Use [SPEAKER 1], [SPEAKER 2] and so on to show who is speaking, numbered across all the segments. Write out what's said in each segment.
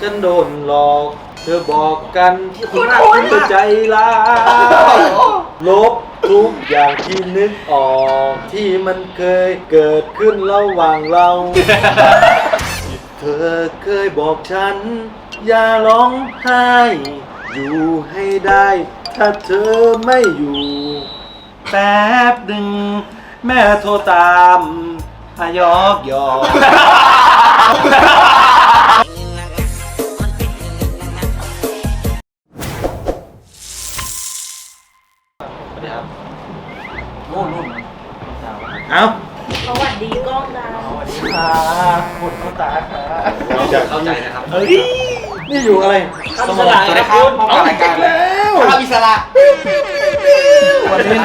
[SPEAKER 1] ฉันโดนหลอกเธอบอกกันคุณเธอใจร้ายลบทุกอย่างที่นึกออกที่มันเคยเกิดขึ้นระหว่างเราเธอเคยบอกฉันอย่าร้องไห้อยู่ให้ได้ถ้าเธอไม่อยู่แป๊บหนึ่งแม่โทรตามหยอก เอ้า
[SPEAKER 2] สวัสดีกล้องดาว
[SPEAKER 1] ครับคุณพ่อตาครับ
[SPEAKER 3] เข้าใจนะครับ
[SPEAKER 1] เฮ้ยนี่อยู่อะไร
[SPEAKER 3] สวัสดีครับพบกับรายการ
[SPEAKER 1] แล้ว
[SPEAKER 3] ข้าวอิสระ
[SPEAKER 1] วันนี้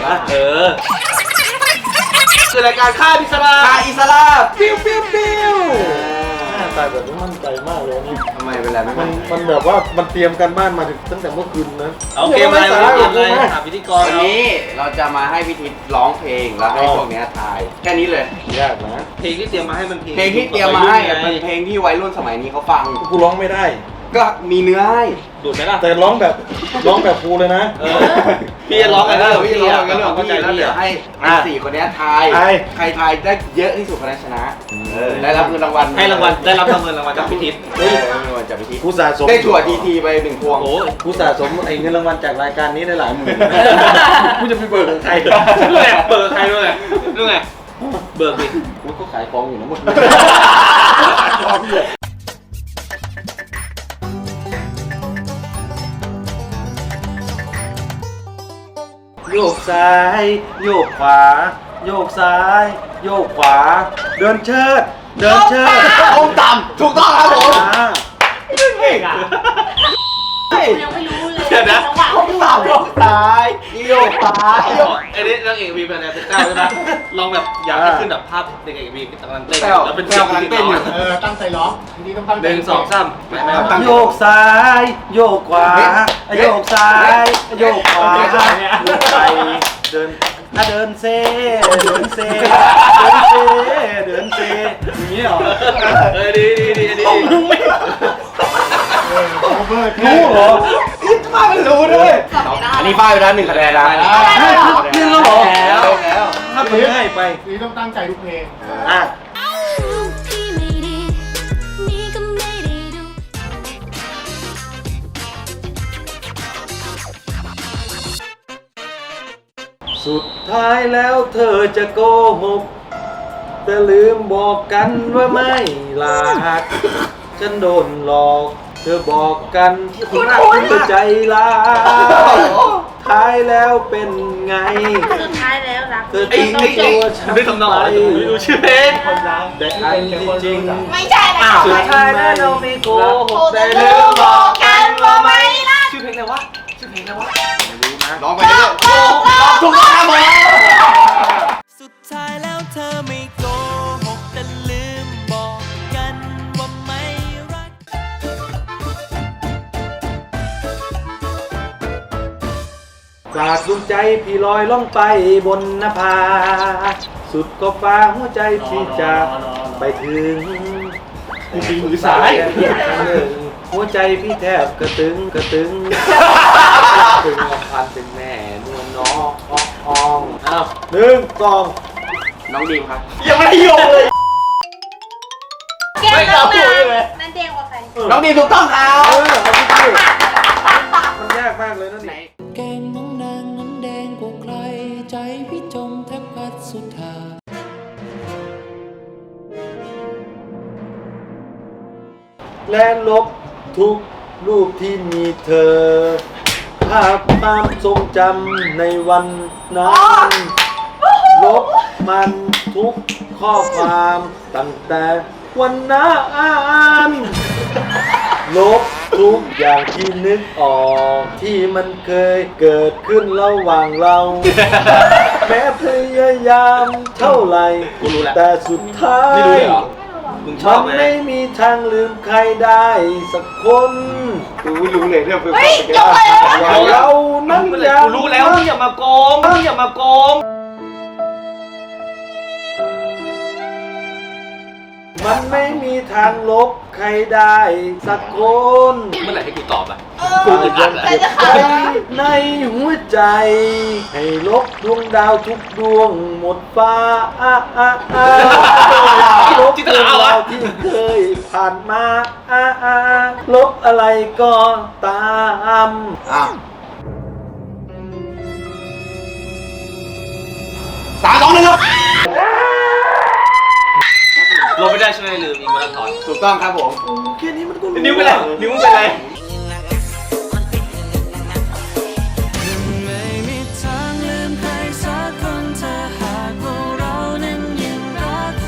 [SPEAKER 3] คือรายการข้าวอิสระข้าวอิสระปิ้วปิ้วปิ้ว
[SPEAKER 1] หน้าตาแบบนี้มั่นใจมากเลยนี่
[SPEAKER 3] ทำไมเป็นไรไม่
[SPEAKER 1] มันแบบว่ามันเตรียมกันบ้านมาถึงตั้งแต่เมื่อคืนนะ
[SPEAKER 4] เอาเกมอะไรมาเกมอะไรถามพิธีกร
[SPEAKER 3] วันนี้เราจะมาให้พิธีร้องเพลงแล้วให้พวกเนี้ยทายแค่นี้เลย
[SPEAKER 1] ยากนะ
[SPEAKER 4] เพลงที่เตรียมมาให้มัน
[SPEAKER 3] เพลงที่เตรียมมาให้เป็นเพลงที่วัยรุ่นสมัยนี้เขาฟัง
[SPEAKER 1] กูร้องไม่ได้
[SPEAKER 3] ก็มีเนื้อให้
[SPEAKER 4] ดูดไหมล่ะ
[SPEAKER 1] แต่ร้องแบบกูเลยนะ
[SPEAKER 4] พี่จะร้องกัน
[SPEAKER 3] พี่ร้องกันเรื่อง
[SPEAKER 4] เข้าใจ
[SPEAKER 3] พี่แล้ว
[SPEAKER 4] พี่
[SPEAKER 3] เดี๋ยว
[SPEAKER 4] อ่ะ
[SPEAKER 3] ให้สี่คนเนี้ยทาย ใครทายได้เยอะที่สุดคนนั้นชนะได้รับเงินรางวัล
[SPEAKER 4] ให้รางวัลได้รับเงินรางวัลจากพิธี
[SPEAKER 3] ได้รับเงินรางวัลจากพิธี
[SPEAKER 1] กูสะสม
[SPEAKER 3] ได้ถั่วทีไป1 พวง
[SPEAKER 4] โอ้ย
[SPEAKER 1] กูสะสมไอ้เงินรางวัลจากรายการนี้ได้หลายหมื่นกูจะไปเบิกกับใคร
[SPEAKER 4] รู้ไงเบิกใครรู้ไงรู้ไงเบิกดิ
[SPEAKER 1] กูก็ขายของอยู่นะหมดโยกซ้ายโยกขวาโยกซ้ายโยกขวาเดินเชิด
[SPEAKER 3] องต่ำถูกต้องครับผม
[SPEAKER 4] เก่งอ่ะ
[SPEAKER 2] ยังไม่รู้เลย
[SPEAKER 4] เดี๋ยวนะ
[SPEAKER 2] จังหวะ
[SPEAKER 3] องต่ำโยกซ้ายโยกขวาโยก
[SPEAKER 4] ไอ้นี่นางเอกวีเป็นอะไรเป็นเจ้าใช่ไหมลองแบบอยากให้ขึ้นแบบภาพเด็กเอกวีกำลังเต้นแล้วเป็นเสียงพิธีกร
[SPEAKER 5] ตั้งใจร้องทีนี้ต้องตั้งใจ
[SPEAKER 4] 1 2 3ไม่
[SPEAKER 1] โยกซ้ายโยกขวาโยกซ้ายโยกขวาโยกไปเดินเดินเซอย่างนี้เหรอ
[SPEAKER 4] ดี
[SPEAKER 1] รู้เหรอ
[SPEAKER 3] ป้ามันรู้ด้วยอันนี้ป้ายไปแล้ว1 คะแนนนะ
[SPEAKER 1] เรียนแล้วเหรอ
[SPEAKER 3] แล้ว
[SPEAKER 1] ถ้ามันง่ายไป
[SPEAKER 5] ทีนี้ต้องตั้งใจทุกเพลง
[SPEAKER 1] อ่ะสุดท้ายแล้วเธอจะโกหกแต่ลืมบอกกันว่าไม่รักฉันโดนหลอกเธอบอกกันคุณเธอใจร้ายท้ายแล้วเป็นไง
[SPEAKER 2] สุดท้ายแล้วรัก
[SPEAKER 1] เธอทิ้งตัวฉัน
[SPEAKER 4] ไม่ทำนอง
[SPEAKER 1] ไป
[SPEAKER 4] ดูชื่อเพลง
[SPEAKER 1] แต่อันที่จริง
[SPEAKER 2] ไม่ใช่นะ
[SPEAKER 1] สุดท้ายแล้วเราไม่โกหกแต่
[SPEAKER 2] ลื
[SPEAKER 1] ลื
[SPEAKER 2] ม
[SPEAKER 1] ม
[SPEAKER 2] บบ อ
[SPEAKER 1] อก ก
[SPEAKER 2] กันว่าไม่รัก
[SPEAKER 4] ชื่อเพลงอะไรวะชื่อเพลงอะไรวะ
[SPEAKER 3] ร้องไปเรื่อยถูกต้องครับผม
[SPEAKER 6] สุดท้ายแล้วเธอไม่โกหกแต่ลืมบอกกันว่าไม่รัก
[SPEAKER 1] จากดวงใจพี่ลอยล่องไปบนนภาสุดก็ฟ้าหัวใจที่จะไปถึงมือซ้ายหัวใจพี่แทบกระตึงตึงพันเป็นแม่นวลน้องอ้องอ้าว1 2
[SPEAKER 3] น้องดีมครับ
[SPEAKER 1] ยังไม่ได้โยงเลย
[SPEAKER 2] แก้วน้ำนั่นเด้งกว่าใคร
[SPEAKER 3] น้องดีมถูกต้องครับ
[SPEAKER 1] มันยากมากเลยนะนี่
[SPEAKER 6] แก้มน้องนางนั้นแดงกว่าใคร ใจพี่จมแทบพัดสุดทาง
[SPEAKER 1] และลบทุกรูปที่มีเธอ ภาพความทรงจำในวันนั้นลบมันทุกข้อความตั้งแต่วันนั้นลบทุกอย่างที่นึกออกที่มันเคยเกิดขึ้นระหว่างเรา แม้พยายามเท่าไหร่
[SPEAKER 4] กูรู้แล้ว
[SPEAKER 1] แต่สุดท้าย
[SPEAKER 4] นี่รู้เลยเหรอ มึงช
[SPEAKER 1] มั
[SPEAKER 4] อบ
[SPEAKER 1] น
[SPEAKER 4] ไหม
[SPEAKER 1] ไม่มีทางลืมใครได้สักคน
[SPEAKER 3] กูรู้เลยเนี่ยเพื่อน
[SPEAKER 2] เฮ้ยจบเลย
[SPEAKER 1] เรานั้น
[SPEAKER 4] กู
[SPEAKER 1] ยัง
[SPEAKER 4] รู้แล้วมึงอย่ามาโกงมึงอย่ามาโกง
[SPEAKER 1] มมันไม่มีทางลบใครได้สักคน
[SPEAKER 4] เมื่อไหร่ให้กูตอบอ่ะ
[SPEAKER 1] กูยังเก็บไว้ในหัวใจ ให้ลบดวงดาวทุกดวงหมดฟ้าลบเรื่องราวที่เคยผ่านมาลบอะไรก็ตาม
[SPEAKER 3] อ้าว3 2 1ครับ
[SPEAKER 4] ลงไม่ได้ใช่ไหมลืมอิงวัลทร
[SPEAKER 3] ถูกต้องครับผม
[SPEAKER 1] แค่นี้มันก็รู้
[SPEAKER 4] นิ้วเป็นไรนิ้วเป็นไร
[SPEAKER 6] ไม่มีทางลืมใครสักคนถ้าหากว่าเรานั้นยังรัก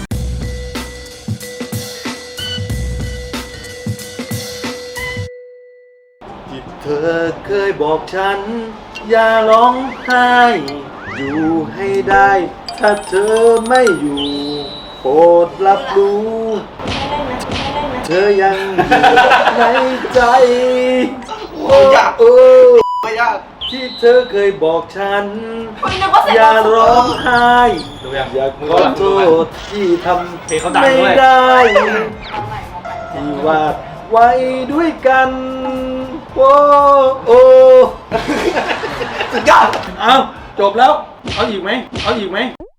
[SPEAKER 1] ที่เธอเคยบอกฉัน อย่าร้องไห้ อยู่ให้ได้ ถ้าเธอไม่อยู่ โปรดรับรู้ เธอยังอยู่ในใจโอ้เออ
[SPEAKER 3] ไม่ยาก
[SPEAKER 1] ที่เธอเคยบอกฉัน
[SPEAKER 2] คุณนึกว่าเสร็จ
[SPEAKER 1] อย่า
[SPEAKER 2] แล้ว
[SPEAKER 1] ร้องไห้
[SPEAKER 4] ดูยัง
[SPEAKER 1] อย่าขอโทษที่ท
[SPEAKER 4] เพลงเขา
[SPEAKER 1] ำ
[SPEAKER 4] ดัง
[SPEAKER 1] ไม่
[SPEAKER 4] ด้วย
[SPEAKER 1] ได้
[SPEAKER 2] เอาใหม่
[SPEAKER 1] ที่วาดไว้ด้วยกันโอ้โอ้
[SPEAKER 3] สุดยอด
[SPEAKER 1] เอาจบแล้ว เอาอีกไหม เอาอีกไหม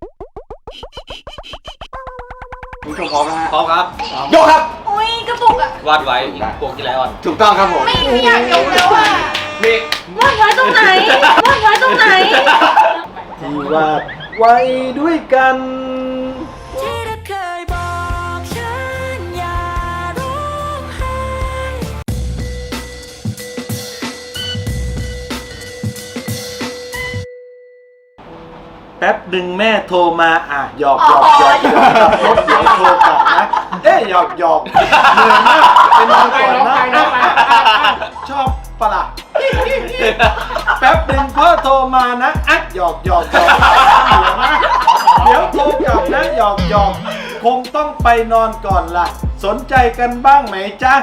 [SPEAKER 3] คุณผู้ชมพร้อมนะฮะ
[SPEAKER 4] พร้อมครับ
[SPEAKER 3] ยกครับ
[SPEAKER 2] อุ้ยกระตุกอ่ะ
[SPEAKER 4] วาดไว้อีกพวกที่แล้วอ่ะ
[SPEAKER 3] ถูกต้องครับผม
[SPEAKER 2] ไม่อยากยกแล้วอ่ะ
[SPEAKER 4] นี่
[SPEAKER 2] วาดไว้ตรงไหนวาดไว้ตรงไหน
[SPEAKER 1] ที่วาดไว้ด้วยกัน
[SPEAKER 6] ที่เธอเคยบอกฉันอย่าร้องไห้
[SPEAKER 1] แป๊บหนึ่งแม่โทรมาหยอกรถเดี๋ยวโทรกลับนะ เอ๊ะหยอกเหนื่อยมากไปนอนก่อนนะชอบปะล่ะแป๊บหนึ่งพ่อโทรมานะหยอกเดี๋ยวนะเดี๋ยวโทรกลับนะหยอกคงต้องไปนอนก่อนล่ะ สนใจกันบ้างไหมจ๊ะ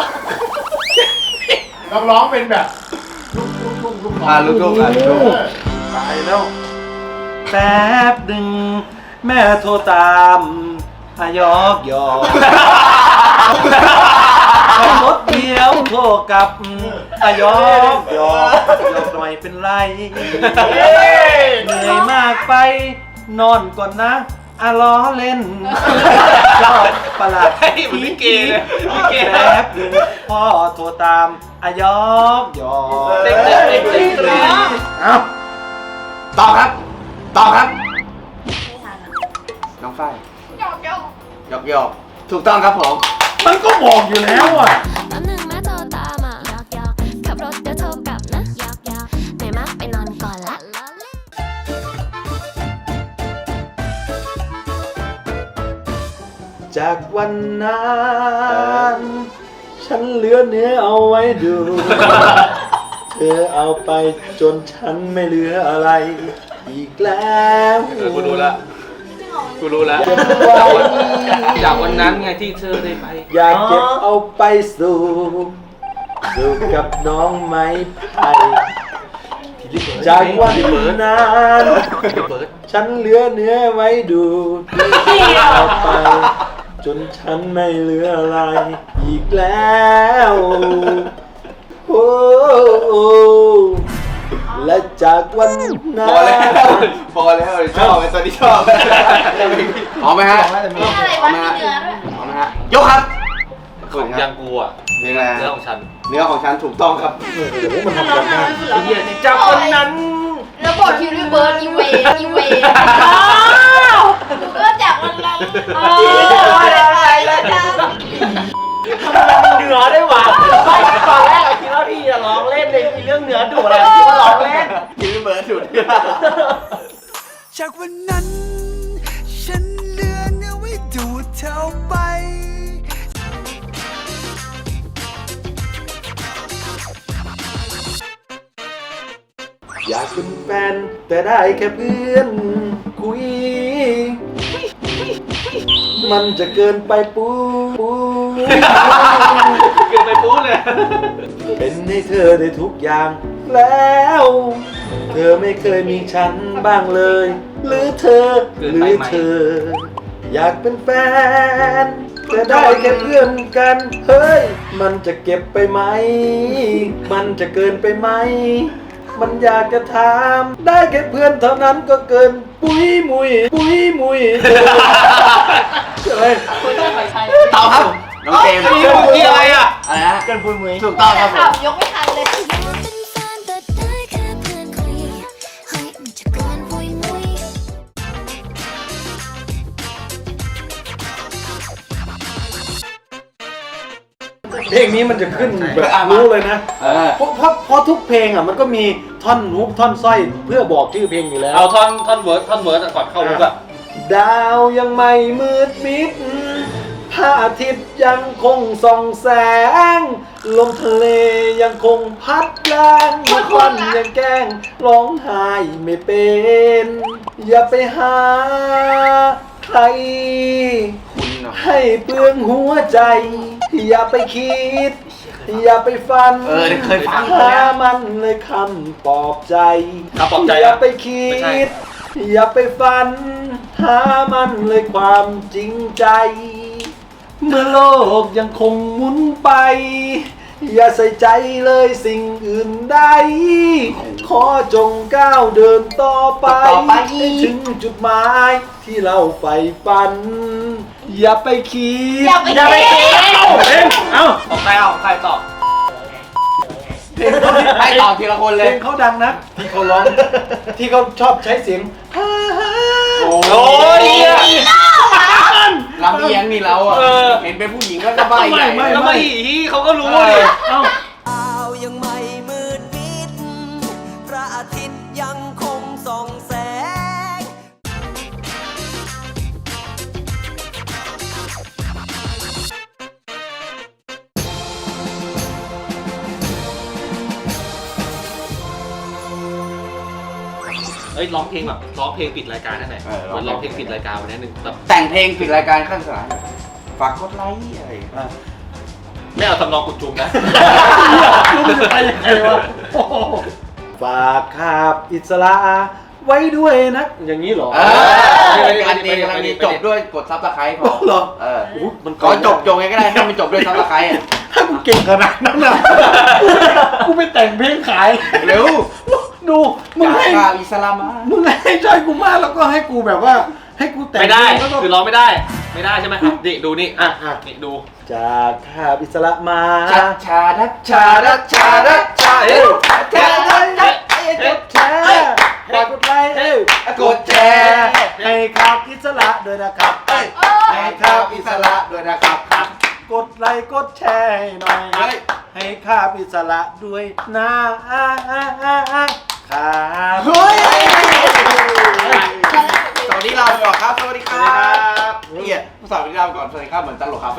[SPEAKER 5] เราร้องเป็นแบบลูก
[SPEAKER 3] ลูกๆ
[SPEAKER 1] ตายแล้วแป๊บหนึ่งแม่โทรตามหยอกรถเดียวโทรกลับหยอกหน่อยเป็นไรเหนื่อยมากไปนอนก่อนนะล้อเล่นชอบประหลาด
[SPEAKER 4] ให้เหมือนลิเกเลยลิเก
[SPEAKER 1] แป๊บหนึ่งพ่อโทรตามหยอก
[SPEAKER 4] เด็ก
[SPEAKER 1] เอ้า
[SPEAKER 3] ตอบครับ ตอบครับ
[SPEAKER 2] ไม่ทันอ่ะ
[SPEAKER 3] น้องฝ้าย
[SPEAKER 2] ยอก
[SPEAKER 3] หยอกถูกต้องครับผม
[SPEAKER 1] มันก็บอกอยู่แล้วอ่ะ
[SPEAKER 7] แป๊บนึงแม่โทรตามอ่ะขับรถเดี๋ยวโทรกลับนะเหนื่อยมากไปนอนก่อนละ
[SPEAKER 1] จากวันนั้นฉันเหลือเนื้อเอาไว้ดู เธอเอาไปจนฉันไม่เหลืออะไร อีกแล้ว
[SPEAKER 4] กูรู้ละ กูรู้แล้ว
[SPEAKER 1] เก็บไว้
[SPEAKER 4] จากวันนั้นไงที่เธอได้ไป
[SPEAKER 1] อยากเก็บเอาไปสู่กับน้องไม้ไผ่จากวันนั้นฉันเหลือเนื้อไว้ดูเอาไป จนฉันไม่เหลืออะไร อีกแล้วโอ้และจากวันนั้
[SPEAKER 3] พอแล้ว
[SPEAKER 1] น
[SPEAKER 3] พอแล้วชอบไอ้ตัวนี้ชอบพร้อมไหมฮะ
[SPEAKER 2] ๆมีอะไรวะมีเนื้อด้วย
[SPEAKER 3] พร้อมไหมฮะยกครับ
[SPEAKER 4] ของยังกูอ่ะ
[SPEAKER 3] เนื้ออะไร
[SPEAKER 4] เรื่องของฉัน
[SPEAKER 3] เนื้อของฉันถูกต้องครับ
[SPEAKER 2] มันร้องไห้มันร้องไห้
[SPEAKER 1] จากวันนั้น
[SPEAKER 2] แล้วบอกคิวด้วยเบิร์ดอีเวหนูก็จากวันนั้น
[SPEAKER 4] เหนือได้หว่าตอนแรกคิดว่าพี่จะร้องเล่นในเรื่องเหนือดุอะไรคิดว่าร้องเล่น
[SPEAKER 3] กินเบิร์ดสุด
[SPEAKER 6] จากวันนั้น ฉันเหลือเนื้อไว้ดูดเธอไป
[SPEAKER 1] อยากเป็นแฟนแต่ได้แค่เพื่อนคุย มันจะเกินไปปู
[SPEAKER 4] เกินไปปู๊ดเลย
[SPEAKER 1] เป็นให้เธอได้ทุกอย่างแล้ว เธอไม่เคยมีฉันบ้างเลย หรือเธอ อยากเป็นแฟนแต่ได้แค่เพื่อนกัน เฮ้ย มันจะเก็บไปไหม มันจะเกินไปไหม มันอยากจะถามได้แค่เพื่อนเท่านั้นก็เกินปุ้ยมุยปุ้ยมุยเฮ้ย
[SPEAKER 3] ตอบครับน้องเจมส์
[SPEAKER 4] นี่อะไรอ่ะ
[SPEAKER 3] อะไรนะ
[SPEAKER 5] เกินปุยมุ้ย
[SPEAKER 3] ถูกต้องครับผม
[SPEAKER 2] ยกไม่ทันเลย
[SPEAKER 7] อยากเป็นแฟนแต่ได้แค่เพื่อนคุยให้มันจะเกินปุยมุย
[SPEAKER 1] เพลงนี้มันจะขึ้นแบบรู้เลยนะ เพราะทุกเพลงอ่ะมันก็มีท่อนฮุกท่อนสร้อยเพื่อบอกชื่อเพลงอยู่แล้ว
[SPEAKER 4] เอาท่อนเวิร์ดก่อนเข้าฮุกอะ
[SPEAKER 1] ดาวยังไม่มืดมิดพระอาทิตย์ยังคงส่องแสง ลมทะเลยังคงพัดแรงทุกวันยังแกล้งร้องไห้ไม่เป็น อย่าไปหาใคร
[SPEAKER 3] คุณเนาะ
[SPEAKER 1] ให้เปลืองหัวใจ อย่าไปคิด อย่าไปฝัน
[SPEAKER 3] เคยฟัง
[SPEAKER 1] หามันเลยคำปลอบใจ
[SPEAKER 4] คำปลอบใจ
[SPEAKER 1] อย่า
[SPEAKER 4] อะ
[SPEAKER 1] ไปคิ
[SPEAKER 4] ไม่ใช่
[SPEAKER 1] ด อย่าไปฝัน หามันเลยความจริงใจ เมื่อโลกยังคงหมุนไป อย่าใส่ใจเลยสิ่งอื่นใด ขอจงก้าวเดินต่อไปให้ถึงจุดหมายที่เราใฝ่ฝัน อย่าไปคิด
[SPEAKER 2] อย่าไปคิด
[SPEAKER 1] เอ้า
[SPEAKER 4] ของใครเอาใครตอบ
[SPEAKER 3] ให้ตอบทีละคน
[SPEAKER 1] เพ
[SPEAKER 3] เล
[SPEAKER 1] ล
[SPEAKER 3] ย
[SPEAKER 1] งเขาดังนะ ที่เขาร้อง ที่เขาชอบใช้เสียง
[SPEAKER 3] โอ้
[SPEAKER 4] โอ้ย
[SPEAKER 3] ลำเอียงนี่เราอ่ะ เห็นเป็นผู้หญิงก็จะใบใหญ่
[SPEAKER 4] แล้วมาหีเขาก็รู้ดิ
[SPEAKER 1] เอ้า
[SPEAKER 6] ดาวยังไม่มืดมิด พระอาทิตย์ยังคงส่องแสง
[SPEAKER 4] เอ้ยร้องเพลงแบบร้องเพลงปิดรายการนั่นแหละเหมือนร้องเพลงปิดรายการวันนี้หนึ่งแบบ
[SPEAKER 3] แต่งเพลงปิดรายการขั้นสายฝากกดไลค์อะไร
[SPEAKER 4] ไม่เอาทำนองกุดจุมนะ
[SPEAKER 1] ฝากคาบอิสระไว้ด้วยนะ อย่างนี้เหรอ
[SPEAKER 3] การเพลงกำลังดีจบด้วยกดซับสไครต์พอ
[SPEAKER 1] เหรอ
[SPEAKER 3] มันขอจบไงก็ได้ให้มันจบด้วยซับสไครต์อ่ะ
[SPEAKER 1] ถ้ากูเก่งขนาดนั้นนะ กูไปแต่งเพลงขาย
[SPEAKER 3] เร็ว
[SPEAKER 1] ดูมึงให้
[SPEAKER 3] ข่าวอิสลามะ
[SPEAKER 1] มึงให้ช่วยกูมากแล้วก็ให้กูแบบว่า ให้กูแต่ง
[SPEAKER 4] ไม่ได้
[SPEAKER 1] แล้วก็
[SPEAKER 4] คือร้องไม่ได้ ไม่ได้ใช่ไหมนี่ดูนี่อ่ะนี่ดู
[SPEAKER 1] จากคาบอิสระมา
[SPEAKER 3] ชาดักชาดักชาดักชาเอ้ย
[SPEAKER 1] แชร์ฝากกดไลค์
[SPEAKER 3] กดแชร์
[SPEAKER 1] ให้คาบอิสระด้วยนะครับ
[SPEAKER 3] ให้ข่าวอิสระด้วยนะครับ
[SPEAKER 1] กดไลค์กดแชร์ให้หน่อย ให้คาบอิสระด้วยนะครับ
[SPEAKER 3] เฮ้ยสวัสดีลาไปก่อนครับ สวัสดีครับเนี่ยสวัสดีลาไปก่อน สวัสดีครับเหมือนตลกคาเฟ่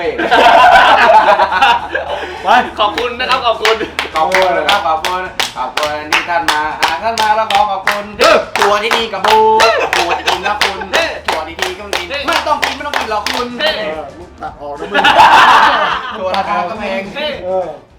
[SPEAKER 1] ไป
[SPEAKER 4] ขอบคุณนะครับขอบคุณ
[SPEAKER 3] ขอบคุณนะครับขอบคุณที่ท่านมาแล้วขอบคุณตัวที่ดีกับบูตัวที่ดีนะคุณตัวที่ดีก็กินไม่ต้องกินหรอกคุณ
[SPEAKER 1] มึงตัดออกนะมึง
[SPEAKER 3] ตัวราคาก็แพง
[SPEAKER 1] เออ